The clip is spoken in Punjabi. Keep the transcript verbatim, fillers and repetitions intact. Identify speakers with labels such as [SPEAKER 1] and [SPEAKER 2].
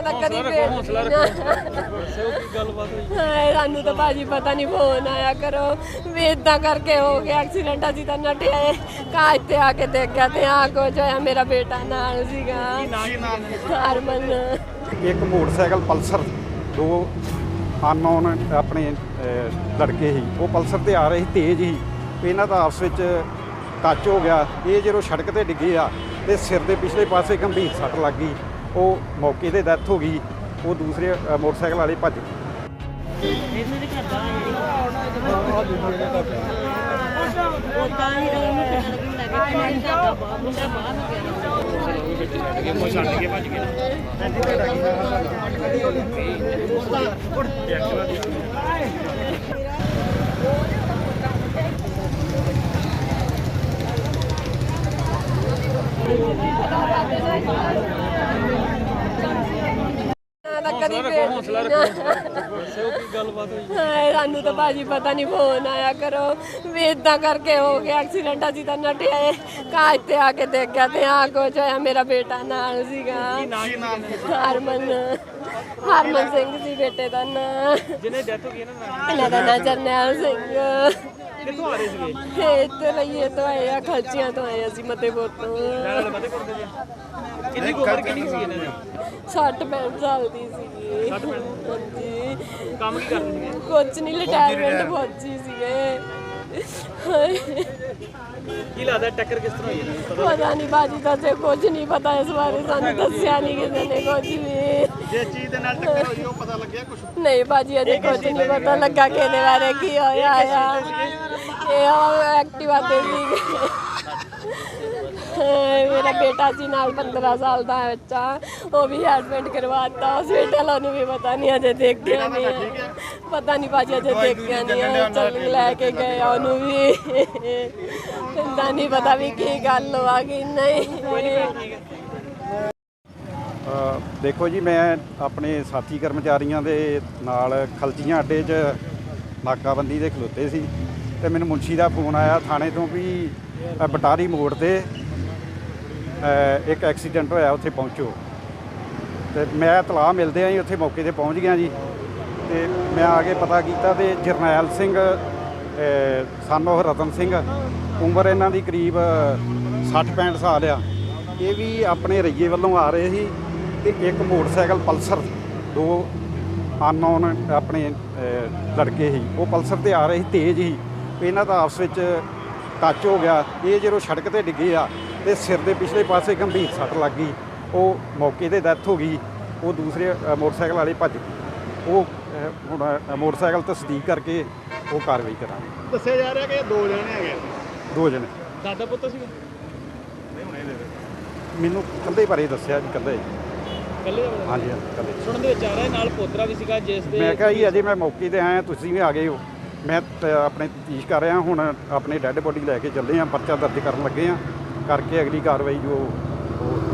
[SPEAKER 1] ਤਾਂ ਕਦੀ ਸਾਨੂੰ ਤਾਂ ਭਾਜੀ ਪਤਾ ਨਹੀਂ ਫੋਨ ਆਇਆ ਕਰੋ ਵੀ ਇਦਾਂ ਕਰਕੇ ਹੋ ਗਿਆ ਐਕਸੀਡੈਂਟ। ਅਸੀਂ ਤਾਂ ਨੱਠੇ ਆਏ ਕਾਜ ਤੇ ਆ ਕੇ ਦੇਖਿਆ ਤੇ ਆ ਕੁਝ ਹੋਇਆ। ਮੇਰਾ ਬੇਟਾ ਨਾਲ ਸੀਗਾ ਹਰਮਨ।
[SPEAKER 2] ਇੱਕ ਮੋਟਰਸਾਈਕਲ ਪਲਸਰ ਦੋ ਅਨਨੋਨ ਆਪਣੇ ਲੜਕੇ ਸੀ, ਉਹ ਪਲਸਰ ਤੇ ਆ ਰਹੇ ਸੀ ਤੇਜ਼ ਹੀ, ਇਹਨਾਂ ਦਾ ਆਪਸ ਵਿੱਚ ਟੱਚ ਹੋ ਗਿਆ। ਇਹ ਜਦੋਂ ਸੜਕ ਤੇ ਡਿੱਗੇ ਆ ਤੇ ਸਿਰ ਦੇ ਪਿਛਲੇ ਪਾਸੇ ਗੰਭੀਰ ਸੱਟ ਲੱਗ ਗਈ, ਉਹ ਮੌਕੇ 'ਤੇ ਡੈਥ ਹੋ ਗਈ। ਉਹ ਦੂਸਰੇ ਮੋਟਰਸਾਈਕਲ ਵਾਲੇ ਭੱਜ ਗਏ।
[SPEAKER 1] ਕਦੀ ਸਾਨੂੰ ਤਾਂ ਭਾਜੀ ਪਤਾ ਨਹੀਂ ਫੋਨ ਆਇਆ ਕਰੋ ਵੀ ਇਦਾਂ ਕਰਕੇ ਹੋ ਗਿਆ ਐਕਸੀਡੈਂਟ। ਅਸੀਂ ਤਾਂ ਨੱਠੇ ਆਏ ਕਾਜ ਤੇ ਆ ਕੇ ਦੇਖਿਆ ਤੇ ਆ ਕੁਝ ਹੋਇਆ। ਮੇਰਾ ਬੇਟਾ ਨਾਲ ਸੀਗਾ ਹਰਮਨ। ਹਰਮਨ ਸਿੰਘ ਸੀ ਬੇਟੇ ਦਾ ਨਾਂ। ਜਿਹਨੇ ਡੈਥ ਹੋ ਗਈ ਇਹਨਾਂ ਦਾ ਨਾਂ ਜਰਨੈਲ ਸਿੰਘ।
[SPEAKER 3] ਕਿੱਥੋਂ ਆ ਰਹੇ ਸੀਗੇ?
[SPEAKER 1] ਇੱਥੇ ਲਈਏ ਤੋਂ ਆਏ ਆ, ਖਲਚੀਆਂ ਤੋਂ ਆਏ ਅਸੀਂ ਮਤੇਪੁਰ ਤੋਂ।
[SPEAKER 3] ਕਿੰਨੀ ਉਮਰ ਕਿੰਨੀ ਸੀ ਇਹਨਾਂ ਦੀ?
[SPEAKER 1] ਸੱਠ ਪੈਂਹਠ ਸਾਲ ਦੀ ਸੀਗੀ।
[SPEAKER 3] ਹਾਂਜੀ। ਕੰਮ ਕੀ ਕਰਦੇ ਸੀਗੇ?
[SPEAKER 1] ਕੁਝ ਨਹੀਂ, ਰਿਟਾਇਰਮੈਂਟ ਫੌਜੀ ਸੀਗੇ।
[SPEAKER 3] ਕੀ ਲੱਗਦਾ ਟੱਕਰ ਕਿਸ ਤਰ੍ਹਾਂ ਹੋਈ ਇਹਨਾਂ ਨੂੰ?
[SPEAKER 1] ਪਤਾ ਨਹੀਂ ਬਾਜੀ ਦਾ ਤੇ ਕੁਝ ਨਹੀਂ ਪਤਾ ਇਸ ਬਾਰੇ, ਸਾਨੂੰ ਦੱਸਿਆ ਨਹੀਂ ਕਿਸੇ ਨੇ ਕੁਝ ਵੀ।
[SPEAKER 3] ਜੇ ਚੀਜ਼ ਦੇ ਨਾਲ ਟੱਕਰ ਹੋਈ ਉਹ ਪਤਾ ਲੱਗਿਆ ਕੁਝ?
[SPEAKER 1] ਨਹੀਂ ਬਾਜੀ ਅਜੇ ਕੁਝ ਨਹੀਂ ਪਤਾ ਲੱਗਾ ਕਿਹਦੇ ਬਾਰੇ ਕੀ ਹੋਇਆ ਆ। ਇਹ ਐਕਟਿਵਾ ਤੇ ਸੀਗੇ। ਮੇਰਾ ਬੇਟਾ ਸੀ ਨਾਲ ਪੰਦਰਾਂ ਸਾਲ ਦਾ ਬੱਚਾ, ਉਹ ਵੀ ਐਡਮਿਟ ਕਰਵਾਤਾ ਹਸਪੀਟਲ। ਉਹਨੂੰ ਵੀ ਪਤਾ ਨਹੀਂ ਅਜੇ ਦੇਖਿਆ ਨਹੀਂ, ਪਤਾ ਨਹੀਂ ਭਾਜੀ ਅਜੇ ਦੇਖਿਆ ਨਹੀਂ। ਚੱਲ ਲੈ ਕੇ ਗਏ ਉਹਨੂੰ ਵੀ, ਇੰਦਾ ਨਹੀਂ ਪਤਾ ਵੀ ਕੀ ਗੱਲ ਹੋਆ ਕਿ ਨਹੀਂ।
[SPEAKER 2] ਦੇਖੋ ਜੀ, ਮੈਂ ਆਪਣੇ ਸਾਥੀ ਕਰਮਚਾਰੀਆਂ ਦੇ ਨਾਲ ਖਲਚੀਆਂ ਅੱਡੇ 'ਚ ਨਾਕਾਬੰਦੀ ਦੇ ਖਲੋਤੇ ਸੀ ਤੇ ਮੈਨੂੰ ਮੁਨਸ਼ੀ ਦਾ ਫੋਨ ਆਇਆ ਥਾਣੇ ਤੋਂ ਵੀ ਬਟਾਰੀ ਮੋੜ ਤੇ ਇੱਕ ਐਕਸੀਡੈਂਟ ਹੋਇਆ, ਉੱਥੇ ਪਹੁੰਚੋ। ਤੇ ਮੈਂ ਇਤਲਾਹ ਮਿਲਦੇ ਆਂ ਜੀ ਉੱਥੇ ਮੌਕੇ 'ਤੇ ਪਹੁੰਚ ਗਿਆ ਜੀ। ਤੇ ਮੈਂ ਆ ਕੇ ਪਤਾ ਕੀਤਾ ਤੇ ਜਰਨੈਲ ਸਿੰਘ ਸਨ ਉਹ ਰਤਨ ਸਿੰਘ, ਉਮਰ ਇਹਨਾਂ ਦੀ ਕਰੀਬ ਸੱਠ ਪੈਂਹਠ ਸਾਲ ਆ। ਇਹ ਵੀ ਆਪਣੇ ਰਈਏ ਵੱਲੋਂ ਆ ਰਹੇ ਸੀ ਤੇ ਇੱਕ ਮੋਟਰਸਾਈਕਲ ਪਲਸਰ ਦੋ ਅਨਨੋਨ ਆਪਣੇ ਲੜਕੇ ਸੀ, ਉਹ ਪਲਸਰ ਤੇ ਆ ਰਹੇ ਸੀ ਤੇਜ਼ ਹੀ, ਇਹਨਾਂ ਦਾ ਆਪਸ ਵਿੱਚ ਟੱਚ ਹੋ ਗਿਆ। ਇਹ ਜਦੋਂ ਸੜਕ ਤੇ ਡਿੱਗੇ ਆ ਤੇ ਸਿਰ ਦੇ ਪਿਛਲੇ ਪਾਸੇ ਗੰਭੀਰ ਸੱਟ ਲੱਗ ਗਈ, ਉਹ ਮੌਕੇ 'ਤੇ ਡੈਥ ਹੋ ਗਈ। ਉਹ ਦੂਸਰੇ ਮੋਟਰਸਾਈਕਲ ਵਾਲੇ ਭੱਜ ਗਏ। ਉਹ ਹੁਣ ਮੋਟਰਸਾਈਕਲ ਤਸਦੀਕ ਕਰਕੇ ਉਹ ਕਾਰਵਾਈ ਕਰਾਂਗੇ।
[SPEAKER 3] ਦੱਸਿਆ ਜਾ ਰਿਹਾ ਕਿ ਦੋ ਜਣੇ ਹੈਗੇ।
[SPEAKER 2] ਦੋ ਜਣੇ
[SPEAKER 3] ਦਾਦਾ ਪੁੱਤ ਸੀ?
[SPEAKER 2] ਮੈਨੂੰ ਕੱਲੇ ਬਾਰੇ ਦੱਸਿਆ ਜੀ, ਕੱਲੇ
[SPEAKER 3] ਕੱਲੇ?
[SPEAKER 2] ਹਾਂਜੀ ਹਾਂਜੀ ਕੱਲੇ।
[SPEAKER 3] ਸੁਣਨ ਦੇ ਵਿੱਚ ਆ ਰਿਹਾ ਨਾਲ ਪੋਤਰਾ ਵੀ ਸੀਗਾ ਜਿਸ ਦੇ।
[SPEAKER 2] ਮੈਂ ਕਿਹਾ ਜੀ ਅਜੇ ਮੈਂ ਮੌਕੇ 'ਤੇ ਆਇਆ, ਤੁਸੀਂ ਵੀ ਆ ਗਏ ਹੋ। ਮੈਂ ਆਪਣੇ ਤਫਤੀਸ਼ ਕਰ ਰਿਹਾ, ਹੁਣ ਆਪਣੇ ਡੈੱਡ ਬੋਡੀ ਲੈ ਕੇ ਚੱਲੇ ਹਾਂ, ਪਰਚਾ ਦਰਜ ਕਰਨ ਲੱਗੇ ਹਾਂ, ਕਰਕੇ ਅਗਲੀ ਕਾਰਵਾਈ ਜੋ ਉਹ